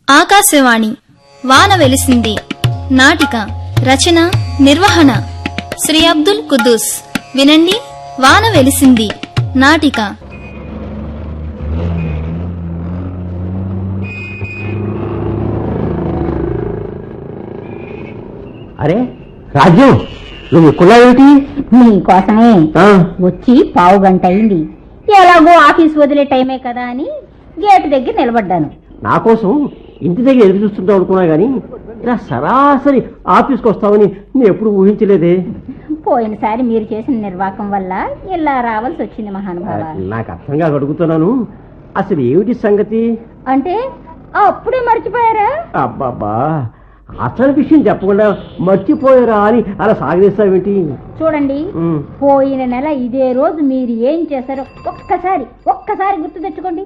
ఆకాశవాణి వాన వెలిసింది నాటిక రచన నిర్వహణ శ్రీ అబ్దుల్ కుద్దూస్. వినండి, వాన వెలిసింది నాటిక. అరే రాజ్యం, నువ్వు ఎక్కువ ఏమిటి? నీకోసమే వచ్చి పావు గంట అయింది. ఎలాగో ఆఫీస్ వదిలే టైమే కదా అని గేటు దగ్గర నిలబడ్డాను. నా కోసం ఇంటి దగ్గర ఎదురు చూస్తుంటావు అనుకున్నా గానీ ఇలా సరాసరి ఆఫీస్కి వస్తావని నేను ఎప్పుడు ఊహించలేదే. పోయినసారి మీరు చేసిన నిర్వాకం వల్ల ఇలా రావాల్సి వచ్చింది మహానుభావ. నాకు అర్థంగా అడుగుతున్నాను, అసలు ఏమిటి సంగతి? అంటే అప్పుడే మర్చిపోయారా? అబ్బాబ్బా, అసలు విషయం చెప్పకుండా మర్చిపోయారా అని అలా సాగదీస్తావేంటి? చూడండి, పోయిన నెల ఇదే రోజు మీరు ఏం చేశారో ఒక్కసారి గుర్తు తెచ్చుకోండి.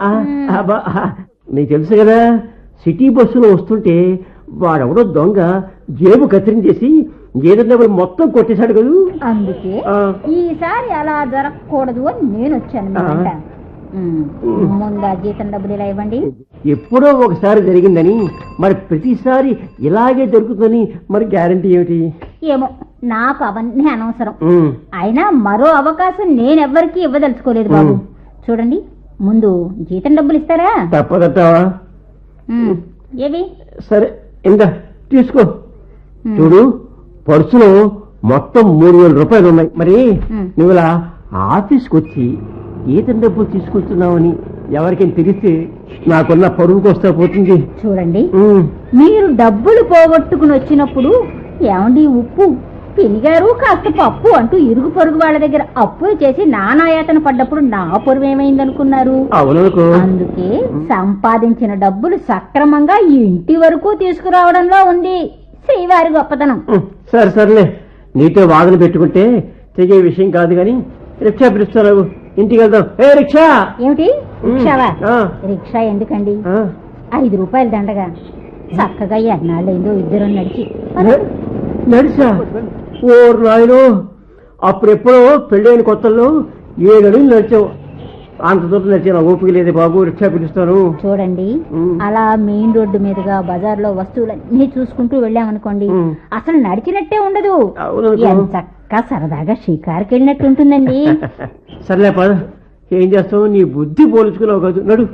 నీకు తెలుసు కదా, సిటీ బస్సులో వస్తుంటే వాడెవడో దొంగ జేబు కత్తిరించేసి ఏదన్నా మొత్తం కొట్టేశాడు కదా. అందుకే ఈసారి అలా జరగకూడదు అని నేను వచ్చాను. ముందా జీతం డబ్బులు ఇలా ఇవ్వండి. ఎప్పుడో ఒకసారి జరిగిందని మరి ప్రతిసారి ఇలాగే జరుగుతుందని మరి గ్యారంటీ ఏమిటి? ఏమో, నాకు అవన్నీ అనవసరం. అయినా మరో అవకాశం నేనెవ్వరికీ ఇవ్వదలుచుకోలేదు బాబు. చూడండి, ముందు జీతం డబ్బులు ఇస్తారా? తప్పదట్టావా? ఏవి? సరే, ఇంకా తీసుకో. చూడు, పర్సులో మొత్తం 3,000 రూపాయలు ఉన్నాయి. మరి నువ్వు ఇలా ఆఫీస్కి వచ్చి జీతం డబ్బులు తీసుకొస్తున్నావని ఎవరికైనా తెలిస్తే నాకున్న పరువుకి వస్తా పోతుంది. చూడండి, మీరు డబ్బులు పోగొట్టుకుని వచ్చినప్పుడు ఏమండి ఉప్పు పినిగారు కాస్త పప్పు అంటూ ఇరుగు పొరుగు వాళ్ళ దగ్గర అప్పులు చేసి నానాయాతన పడ్డప్పుడు నా పొరుగు ఏమైందనుకున్నారు? అందుకే సంపాదించిన డబ్బులు సక్రమంగా ఇంటి వరకు తీసుకురావడంలో ఉంది శ్రీవారి గొప్పతనం. సర్లే, నీతో వాదన పెట్టుకుంటే తెగే విషయం కాదు గాని రిక్షా పిలుస్తావు, ఇంటికి వెళ్దాం. ఏ రిక్షా! ఏమిటి రిక్షావా? రిక్షా ఎందుకండి? 5 రూపాయలు దండగా చక్కగా ఎన్నాళ్ళైందో ఇద్దరు నడిచా. ఓ నాయనో, అప్పుడెప్పుడో పెళ్ళైన కొత్తల్లో 7 అడుగులు నడిచావు. అంత దూరం నడిచా, ఓపిక లేదే బాబు, రిక్షా పిలుస్తాను. చూడండి, అలా మెయిన్ రోడ్డు మీదుగా బజార్లో వస్తువులన్నీ చూసుకుంటూ వెళ్ళామనుకోండి, అసలు నడిచినట్టే ఉండదు. చక్కగా సరదాగా షికారుకి వెళ్ళినట్టు ఉంటుందండి. సర్లే పద, ఏం చేస్తావు, నీ బుద్ధి పోల్చుకున్నావు కాదు. నడు.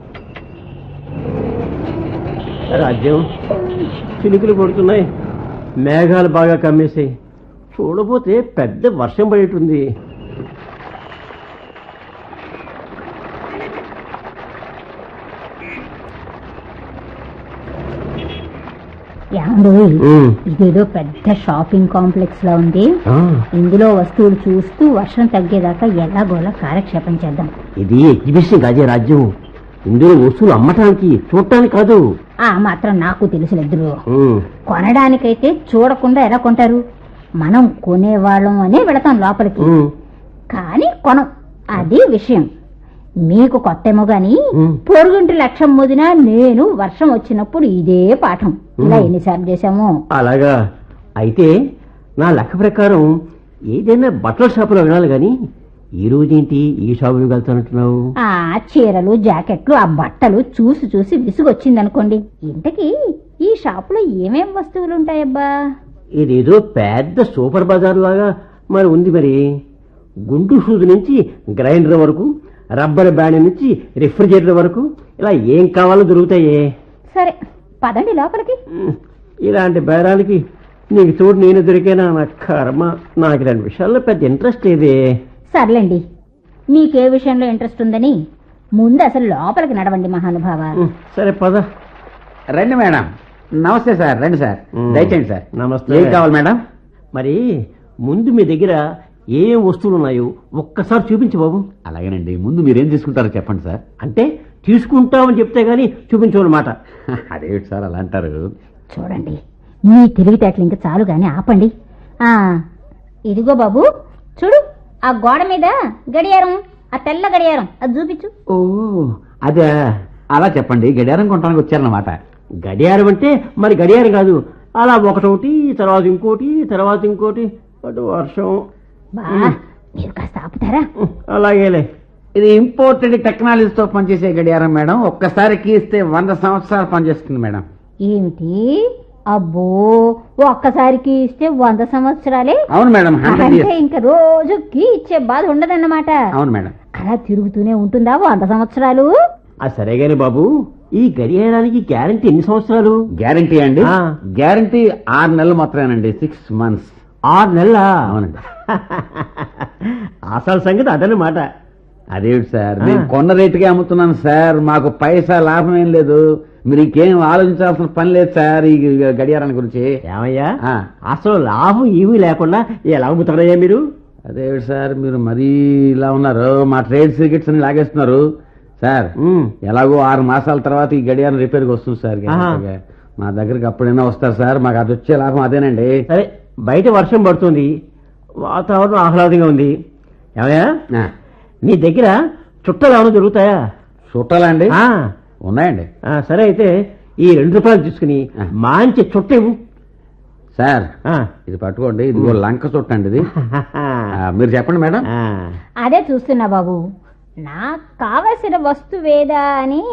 రాజ్యం, చినుకులు పడుతున్నాయి, మేఘాలు బాగా కమ్మేసాయి. చూడబోతే పెద్ద వర్షం పడేటుంది. ఇదేదో పెద్ద షాపింగ్ కాంప్లెక్స్ లా ఉంది. ఇందులో వస్తువులు చూస్తూ వర్షం తగ్గేదాకా ఎలాగోలా కాలక్షేపం చేద్దాం. ఇది ఎగ్జిబిషన్ కాదే రాజ్యం, ఇందులో వస్తువులు అమ్మటానికి చూడటానికి కాదు. ఆ మాత్రం నాకు తెలుసులిద్దరు. కొనడానికైతే చూడకుండా ఎలా కొంటారు? మనం కొనేవాళ్ళం అనే వెళతాం లోపలికి, కానీ కొనం. అది విషయం. మీకు కొత్తేమో గాని పొరుగుంటి లక్ష్యం ముదినా నేను వర్షం వచ్చినప్పుడు ఇదే పాఠం ఇలా ఎన్నిసార్లు చేశాము. అలాగా? అయితే నా లెక్క ప్రకారం ఏదైనా బట్టల షాపులో వినాలి గాని ఈ రోజేంటి ఈ షాపుకి వెళ్తానంటున్నావు? ఆ చీరలు జాకెట్లు ఆ బట్టలు చూసి చూసి విసుగొచ్చిందనుకోండి. ఇంతకీ ఈ షాపులో ఏమేం వస్తువులు ఉంటాయబ్బా? ఇదేదో పెద్ద సూపర్ బజార్ లాగా మరి ఉంది. మరి గుండు షూజ్ నుంచి గ్రైండర్ వరకు, రబ్బర్ బ్యాండ్ నుంచి రిఫ్రిజిరేటర్ వరకు ఇలా ఏం కావాలో దొరుకుతాయే. సరే పదండి లోపలికి. ఇలాంటి బేరాలకి నీకు తోడు నేను దొరికేనా? నా కర్మ, నాకు ఇలాంటి విషయాల్లో పెద్ద ఇంట్రెస్ట్ లేదే. సర్లేండి, మీకే విషయంలో ఇంట్రెస్ట్ ఉందని ముందు అసలు లోపలికి నడవండి మహానుభావ. సరే పద. రండి మేడం. నమస్తే సార్. రండి సార్, దయచేయండి సార్. నమస్తే. ఏం కావాలి మేడం? మరి ముందు మీ దగ్గర ఏం వస్తువులు ఉన్నాయో ఒక్కసారి చూపించు బాబు. అలాగేనండి, ముందు మీరేం తీసుకుంటారో చెప్పండి సార్. అంటే తీసుకుంటామని చెప్తే గానీ చూపించమన్నమాట. అదేమిటి సార్ అలా అంటారు? చూడండి, మీ తెలివితేటలు ఇంకా చాలు గాని ఆపండి. ఇదిగో బాబు, చూడు ఆ గోడ మీద గడియారం, ఆ తెల్ల గడియారం, అది చూపించు. ఓ అదే, అలా చెప్పండి. గడియారం కొనడానికి వచ్చారన్నమాట. గడియారం అంటే మరి గడియారం కాదు, అలా ఒకటొకటి తర్వాత ఇంకోటి తర్వాత ఇంకోటి. అటు వర్షం. మీరు కాస్త ఆపుతారా? అలాగేలే. ఇది ఇంపోర్టెడ్ టెక్నాలజీతో పనిచేసే గడియారం మేడం. ఒక్కసారి కీస్తే 100 సంవత్సరాలు పనిచేస్తుంది మేడం. ఏమిటి? అబ్బో, ఒక్కసారికి ఇస్తే 100 సంవత్సరాలే? అవును మేడం, 100 అంటే years. ఇంక రోజు కీ ఇచ్చే బాధ ఉండదన్నమాట. అవును మేడం. అలా తిరుగుతూనే ఉంటుందా 100 సంవత్సరాలు? సరే గాని బాబు, ఈ గడియారానికి గ్యారంటీ ఎన్ని సంవత్సరాలు? గ్యారంటీ అండి? ఆ. గ్యారంటీ 6 నెలలు మాత్రమేనండి. 6 months. 6 నెలల? అవునండి. అసలు సంగతి అదనమాట. అదేమిటి సార్, నేను కొన్న రేటుకే అమ్ముతున్నాను సార్. మాకు పైసా లాభం ఏం లేదు. మీరు ఇంకేం ఆలోచించాల్సిన పని లేదు సార్ ఈ గడియారాన్ని గురించి. ఏమయ్యా, ఆ. అసలు లాభం ఏమీ లేకుండా ఎలా అమ్ముతారయ్యా మీరు? అదేమిటి సార్, మీరు మరీ ఇలా ఉన్నారు. మా ట్రేడ్ సీక్రెట్స్ అని లాగేస్తున్నారు సార్. ఎలాగో 6 మాసాల తర్వాత ఈ గడియారం రిపేర్కి వస్తుంది సార్. గ్యారెంటీగా. మా దగ్గరికి అప్పుడైనా వస్తారు సార్. మాకు అది వచ్చే లాభం అదేనండి. సరే, బయట వర్షం పడుతుంది, వాతావరణం ఆహ్లాదంగా ఉంది. ఏమయ్యా, ఆ. నీ దగ్గర చుట్టాలు ఏమైనా దొరుకుతాయా? చుట్టాలండి? ఆ. ఉన్నాయండి. సరే అయితే ఈ 2 రూపాయలు తీసుకుని మంచి చుట్ట ఇవ్వు. సార్ ఇది పట్టుకోండి. ఇది లంక చుట్టండి ఇది. మీరు చెప్పండి మేడం. అదే చూస్తున్నా బాబు, నాకు కావలసిన వస్తువేదా అని.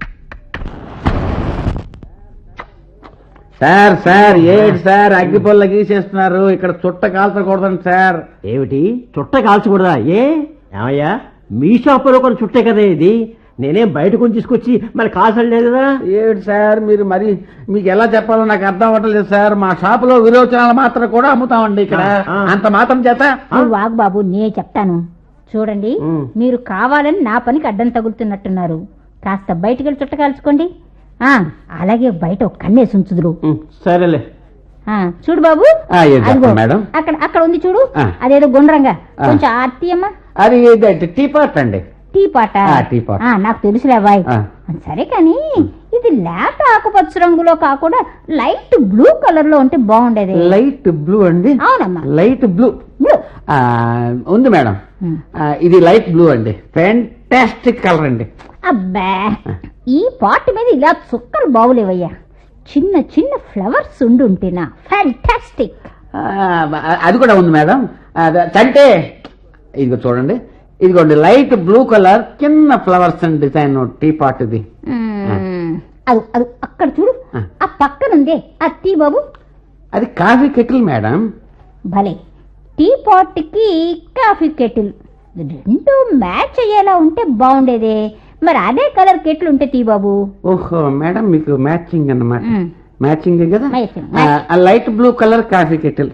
సార్ సార్ ఏంటి సార్ అగ్గిపొల్ల గీసేస్తున్నారు? ఇక్కడ చుట్ట కాల్చకూడదండి సార్. ఏమిటి, చుట్ట కాల్చకూడదా? ఏమయ్యా, మీ షాపులో కొన్ని చుట్టే కదా ఇది. నేనేం బయట కొని తీసుకొచ్చి మరి కాల్చలేదు కదా. ఏమిటి సార్ మీరు మరి, మీకు ఎలా చెప్పాలో నాకు అర్థం అవ్వట్లేదు సార్. మా షాపులో విరోచనాలు మాత్రం కూడా అమ్ముతామండి ఇక్కడ. అంత మాత్రం చేత వాగు బాబు, నే చెప్తాను చూడండి. మీరు కావాలని నా పనికి అడ్డం తగులుతున్నట్టున్నారు. కాస్త బయటికి వెళ్ళి చుట్ట కాల్చుకోండి. అలాగే బయట ఒక కన్నేసి ఉంచుదురు. సరేలే. చూడు బాబు, అదిగో మేడం అక్కడ అక్కడ ఉంది చూడు. అదేదో గుండ్రంగా కొంచెం ఆర్తి అమ్మా. అది టీ పాట్ అండి. టీ పాట? టీ పాట్ నాకు తెలుసులే అబ్బాయి. సరే కానీ ఇది లేత ఆకుపచ్చ రంగులో కాకుండా లైట్ బ్లూ కలర్ లో ఉంటే బాగుండేది. లైట్ బ్లూ అండి? అవునమ్మా, లైట్ బ్లూ ఉంది మేడం. ఇది లైట్ బ్లూ అండి. ఫ్యాంటాస్టిక్ కలర్ అండి. అబ్బా, ఈ పాట్ మీద ఇలా చుక్కలు బాగులేవయ్యా. చిన్న చిన్న ఫ్లవర్స్ ఉండుంటేనా ఫ్యాంటాస్టిక్. అది కూడా ఉంది మేడం. అంటే ఇదిగో చూడండి, ఇదిగోండి లైట్ బ్లూ కలర్ చిన్న flowers and design teapot ఇది. అది అది అక్కడ చూడు, ఆ పక్కనుందే ఆ టీ బాబు. అది కాఫీ కెటిల్ మేడం. భలే, టీ పాట్ కి కాఫీ కెటిల్ రెండు మ్యాచ్ అయ్యేలా ఉంటే బాగుండేదే. మరి అదే కలర్ కెటిల్ ఉంటే టీ బాబు. ఓహో మేడం, మీకు మ్యాచింగ్ అన్నమాట. మ్యాచింగ్ కదా. Matching. Light blue colour coffee kettle.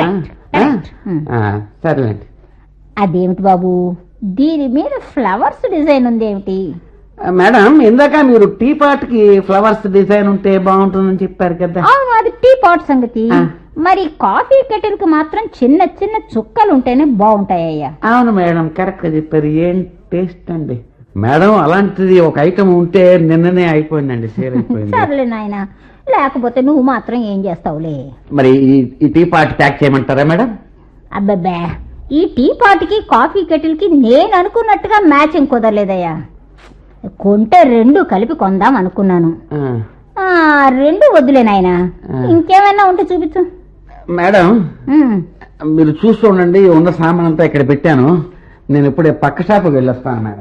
సరేలేండి. అదేమిటి బాబు, దీని మీద ఫ్లవర్స్ డిజైన్ ఉంది ఏమిటి? మేడం, ఇందాక మీరు టీ పాట్ కి ఫ్లవర్స్ డిజైన్ ఉంటే బాగుంటుందని చెప్పారు కదా. అవును, అది టీ పాట్ సంగతి. మరి కాఫీ కెటిల్ కి మాత్రం చిన్న చిన్న చుక్కలు ఉంటేనే బాగుంటాయ్యా. అవును మేడం, కరెక్ట్ గా చెప్పారు. ఏం టేస్ట్ అండి మేడం. అలాంటిది ఒక ఐటమ్ ఉంటే నిన్ననే అయిపోయిందండి, సేల్ అయిపోయింది. సర్లే నాయన, లేకపోతే నువ్వు మాత్రం ఏం చేస్తావులే. మరి ఈ టీ పాట్ ప్యాక్ చేయమంటారా మేడం? అబ్బబ్బే, ఈ టీ పాట్ కి కాఫీ కెటిల్ కి నేను అనుకున్నట్టుగా మ్యాచింగ్ కుదరలేదయ్యా. కొంటే రెండు కలిపి కొందాం అనుకున్నాను. రెండు వద్దులే నాయనా, ఇంకేమైనా ఉంటే చూపించు. మేడం మీరు చూస్తూ ఉండండి, ఉన్న సామాన్ అంతా ఇక్కడ పెట్టాను. నేను ఇప్పుడే పక్క షాపుకి వెళ్ళొస్తాను మేడం.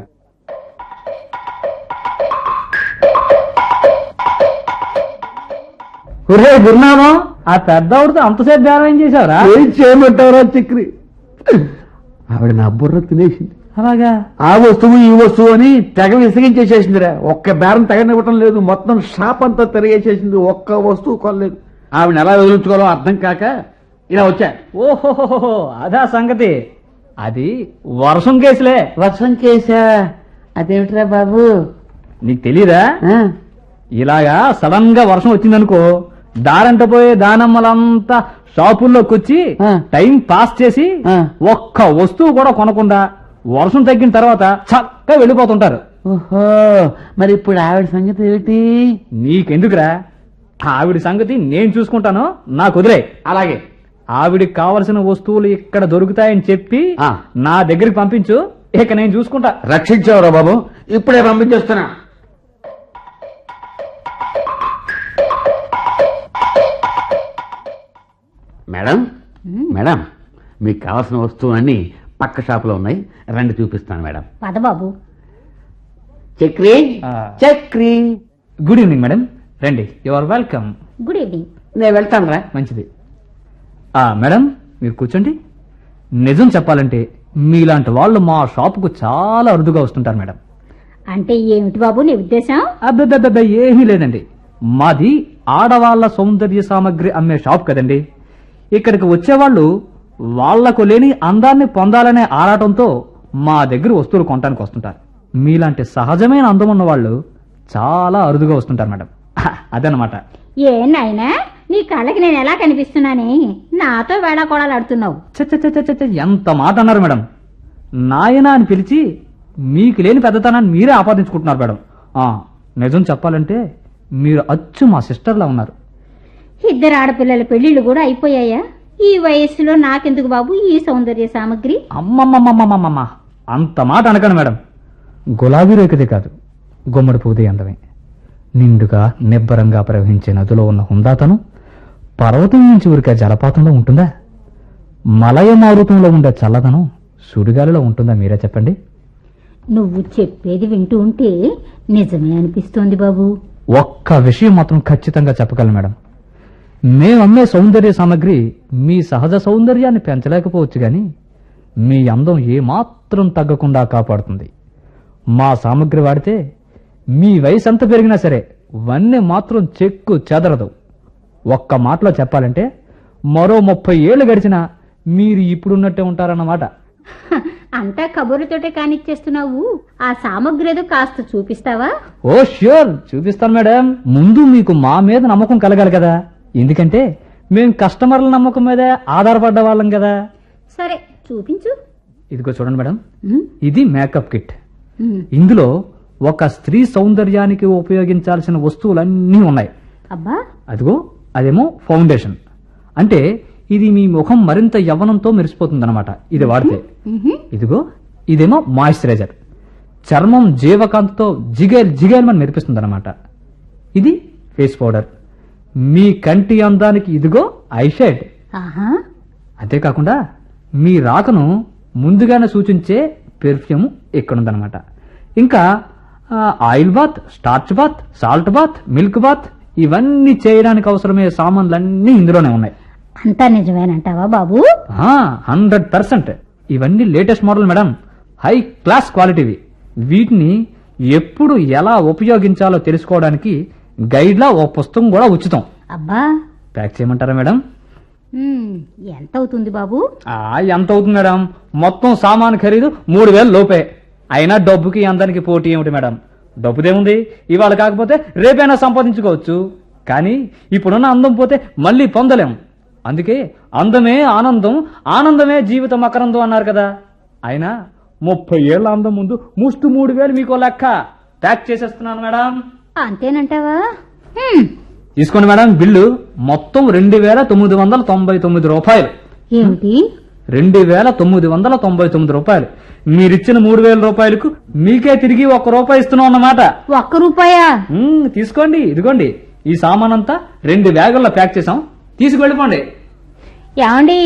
ఒరే గురునామం, ఆ పెద్దవాడితో అంతసేపు బేరం ఏం చేశావురా? ఏం చేయమంటారా చక్రి, ఆవిడ నా బుర్ర తినేసింది. అలాగా? ఆ వస్తువు ఈ వస్తువు అని తెగ విసిగించేసేసిందిరా. ఒక్క బేరం తెగనివ్వటం లేదు. మొత్తం షాప్ అంతా తిరిగేసేసింది. ఒక్క వస్తువు కొనలేదు. ఆవిడ ఎలా వదిలించుకోవాలో అర్థం కాక ఇలా వచ్చా. ఓహో, అదా సంగతి. అది వర్షం కేసులే. వర్షం కేసా? అదేమిట్రా బాబు, నీకు తెలీదా? ఇలాగా సడన్ గా వర్షం వచ్చిందనుకో, దారంట పోయే దానమ్మలంతా షాపుల్లోకి వచ్చి టైం పాస్ చేసి ఒక్క వస్తువు కూడా కొనకుండా వర్షం తగ్గిన తర్వాత చక్కగా వెళ్ళిపోతుంటారు. ఓహో, మరి ఇప్పుడు ఆవిడ సంగతి ఏమిటి? నీకెందుకురా, ఆవిడ సంగతి నేను చూసుకుంటాను, నాకు వదిలే. అలాగే. ఆవిడికి కావలసిన వస్తువులు ఇక్కడ దొరుకుతాయని చెప్పి నా దగ్గరికి పంపించు, ఇక నేను చూసుకుంటా. రక్షించావురా బాబు, ఇప్పుడే పంపించేస్తున్నా. మేడం, మేడం, మీకు కావాల్సిన వస్తువులన్నీ పక్క షాపులో ఉన్నాయి, రండి చూపిస్తాను మేడం. పద బాబు. Chakri Chakri. Good evening madam, రండి. You are welcome. Good evening. నేను వెళ్తాను రా. మంచిది. మేడం మీరు కూర్చోండి. నిజం చెప్పాలంటే మీలాంటి వాళ్ళు మా షాపుకు చాలా అరుదుగా వస్తుంటారు మేడం. అంటే ఏమిటి బాబు నీ ఉద్దేశం? అబ్బే ఏమీ లేదండి. మాది ఆడవాళ్ల సౌందర్య సామగ్రి అమ్మే షాప్ కదండి. ఇక్కడికి వచ్చేవాళ్ళు వాళ్లకు లేని అందాన్ని పొందాలనే ఆరాటంతో మా దగ్గర వస్తువులు కొనడానికి వస్తుంటారు. మీలాంటి సహజమైన అందం ఉన్న వాళ్ళు చాలా అరుదుగా వస్తుంటారు మేడం. అదనమాట. ఏ నాయనా, నీ కళ్ళకి నేను ఎలా కనిపిస్తున్నానే? నాతో వేళాకోళాలాడుతున్నావు. ఎంత మాట అన్నారు మేడం. నాయనా అని పిలిచి మీకు లేని పెద్దతనాన్ని మీరే ఆపాదించుకుంటున్నారు మేడం. నిజం చెప్పాలంటే మీరు అచ్చు మా సిస్టర్లా ఉన్నారు. ఇద్దరు ఆడపిల్లల పెళ్లిళ్ళు కూడా అయిపోయాయా? ఈ వయస్సులో నాకెందుకు బాబు ఈ సౌందర్య సామగ్రి? అమ్మమ్మమ్మమ్మమ్మమ్మ, అంత మాట అనకండి మేడం. గులాబీ రేఖదే కాదు, గుమ్మడి పువ్వుదే అందమే. నిండుగా నిబ్బరంగా ప్రవహించే నదిలో ఉన్న హుందాతనం పర్వతం నుంచి ఉరికే జలపాతంలో ఉంటుందా? మలయ మారుతంలో ఉండే చల్లదనం సుడిగాలిలో ఉంటుందా? మీరే చెప్పండి. నువ్వు చెప్పేది వింటూ ఉంటే నిజమే అనిపిస్తోంది బాబు. ఒక్క విషయం మాత్రం ఖచ్చితంగా చెప్పగలను మేడం. మేమమ్మే సౌందర్య సామగ్రి మీ సహజ సౌందర్యాన్ని పెంచలేకపోవచ్చు గాని మీ అందం ఏమాత్రం తగ్గకుండా కాపాడుతుంది. మా సామగ్రి వాడితే మీ వయసు ఎంత పెరిగినా సరే వన్నె మాత్రం చెక్కు చెదరదు. ఒక్క మాటలో చెప్పాలంటే మరో 30 ఏళ్లు గడిచినా మీరు ఇప్పుడున్నట్టే ఉంటారన్నమాట. అంతా కబుర్లతోటే కానిచ్చేస్తున్నావు. ఆ సామగ్రి ఏదో కాస్త చూపిస్తావా? ఓ ష్యూర్, చూపిస్తాను మేడం. ముందు మీకు మా మీద నమ్మకం కలగాలి కదా. ఎందుకంటే మేం కస్టమర్ల నమ్మకం మీదే ఆధారపడ్డ వాళ్ళం కదా. సరే చూపించు. ఇదిగో చూడండి మేడం, ఇది మేకప్ కిట్. ఇందులో ఒక స్త్రీ సౌందర్యానికి ఉపయోగించాల్సిన వస్తువులన్నీ ఉన్నాయి. అబ్బా, అదిగో అదేమో ఫౌండేషన్. అంటే ఇది మీ ముఖం మరింత యవ్వనంతో మెరిసిపోతుందన్నమాట ఇది వాడితే. ఇదిగో ఇదేమో మాయిశ్చరైజర్. చర్మం జీవకాంతితో జిగేల్మని మెరిపిస్తుందన్నమాట. ఇది ఫేస్ పౌడర్. మీ కంటి అందానికి ఇదిగో ఐషేడ్. అంతేకాకుండా మీ రాకను ముందుగానే సూచించే పెర్ఫ్యూమ్ ఇక్కడుందన్నమాట. ఇంకా oil bath, starch bath, salt bath, milk bath ఇవన్నీ చేయడానికి అవసరమయ్యే సామాన్లన్నీ ఇందులోనే ఉన్నాయి. అంతా నిజమేనంటావా బాబు? 100%. ఇవన్నీ latest model madam, high class క్వాలిటీవి. వీటిని ఎప్పుడు ఎలా ఉపయోగించాలో తెలుసుకోవడానికి గైడ్ లా ఓ పుస్తకం కూడా ఉచితం. అబ్బా, ప్యాక్ చేయమంటారా మేడం? ఎంత అవుతుంది బాబు? ఎంత అవుతుంది మేడం? మొత్తం సామాన్ ఖరీదు 3000 లోపే. అయినా డబ్బుకి అందరికి పోటీ ఏమిటి మేడం? డబ్బుదేముంది, ఇవాళ కాకపోతే రేపైనా సంపాదించుకోవచ్చు. కానీ ఇప్పుడున్న అందం పోతే మళ్ళీ పొందలేం. అందుకే అందమే ఆనందం, ఆనందమే జీవితం అకరందం అన్నారు కదా. అయినా 30 ఏళ్ల అందం ముందు ముష్టి 3000 మీకో లెక్క. ప్యాక్ చేసేస్తున్నాను మేడం. అంతేనంటావా? తీసుకోండి మేడం. బిల్లు మొత్తం 2999 రూపాయలు. ఏమిటి? 2999 రూపాయలు. మీరిచ్చిన 3000 రూపాయలకు మీకే తిరిగి 1 రూపాయి ఇస్తున్నాం అన్నమాట. 1 రూపాయా? తీసుకోండి. ఇదిగోండి ఈ సామాన్ అంతా 2 బ్యాగుల్లో ప్యాక్ చేసాం, తీసుకువెళ్ళిపోండి. ఏమండి?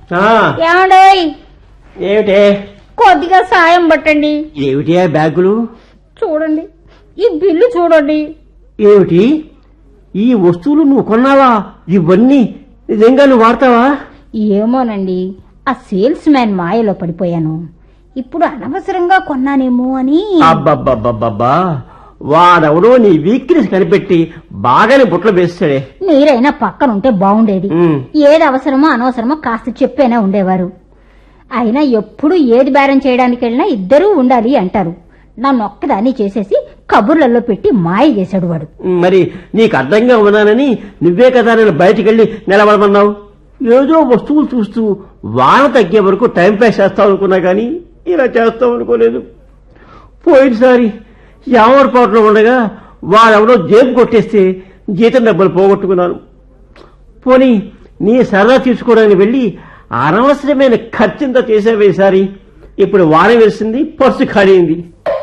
ఏమిటే? కొద్దిగా సాయం పట్టండి. ఏమిటి బ్యాగులు? చూడండి, ఈ బిల్లు చూడండి. ఏమిటి ఈ వస్తువులు నువ్వు కొన్నావా? ఇవన్నీ నిజంగా నువ్వు వాడతావా? ఏమోనండి, ఆ సేల్స్ మ్యాన్ మాయలో పడిపోయాను. ఇప్పుడు అనవసరంగా కొన్నానేమో అని. అబ్బబ్బబ్బబ్బబ్బా, వాడెవడో నీ వీక్నెస్ కనిపెట్టి బాగానే బుట్టలు వేస్తాడే. మీరైనా పక్కనుంటే బాగుండేది. ఏది అవసరమో అనవసరమో కాస్త చెప్పేనా ఉండేవారు. అయినా ఎప్పుడు ఏది బేరం చేయడానికి వెళ్ళినా ఇద్దరూ ఉండాలి అంటారు. నన్ను ఒక్కదాన్ని చేసేసి కబుర్లలో పెట్టి మాయ చేశాడు వాడు. మరి నీకు అర్థంగా ఉన్నానని నువ్వే కదా నేను బయటికెళ్ళి నిలబడమన్నావు. ఏదో వస్తువులు చూస్తూ వాన తగ్గే వరకు టైం పాస్ చేస్తావు అనుకున్నా కానీ ఇలా చేస్తావు అనుకోలేదు. పోయినసారి యామరపాటులో ఉండగా వాడెవడో జేబు కొట్టేస్తే జీతం డబ్బులు పోగొట్టుకున్నాను. పోనీ నీ సరదా తీసుకోవడానికి వెళ్ళి అనవసరమైన ఖర్చింత చేసేవే ఈసారి. ఇప్పుడు వాన వేసింది, పర్సు ఖాళీ అయింది.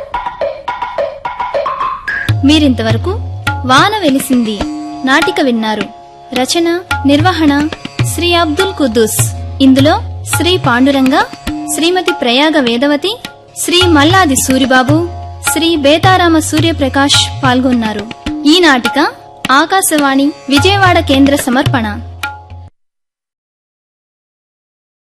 మీరింతవరకు వాన వెలిసింది నాటిక విన్నారు. రచన, నిర్వహణ శ్రీ అబ్దుల్ కుద్దూస్. ఇందులో శ్రీ పాండురంగ, శ్రీమతి ప్రయాగ వేదవతి, శ్రీ మల్లాది సూరిబాబు, శ్రీ బేతారామ సూర్యప్రకాష్ పాల్గొన్నారు. ఈ నాటిక ఆకాశవాణి విజయవాడ కేంద్ర సమర్పణ.